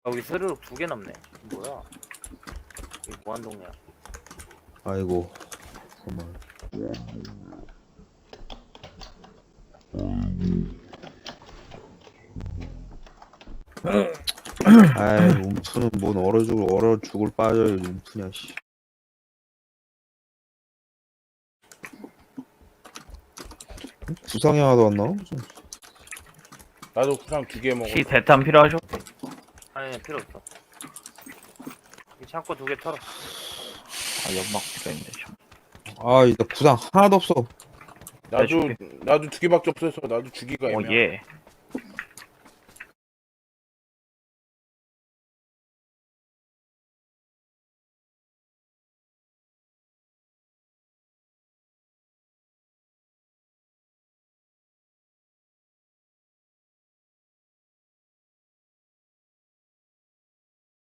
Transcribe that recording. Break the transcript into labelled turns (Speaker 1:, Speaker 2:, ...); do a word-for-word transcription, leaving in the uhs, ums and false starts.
Speaker 1: 아, 여기 스르륵 두 개 남네. 뭐야? 이게 무한동이야.
Speaker 2: 아이고 정말. 아이 움프는 뭔 얼어 죽을 얼어 죽을 빠져요 움프냐 씨. 구상이 하나도 안 나와? 무슨.
Speaker 3: 나도 구상 두 개 먹어.
Speaker 4: 혹시 대탄 필요하죠?
Speaker 1: 아니, 필요 없어. 이 창고 두 개 털어.
Speaker 4: 아 연막 필요했는데 참.
Speaker 2: 아이 나 구상 하나도 없어.
Speaker 3: 나도
Speaker 4: 해줄게.
Speaker 3: 나도 두 개밖에 없어서 나도 주기가 애매해.
Speaker 4: 어 예.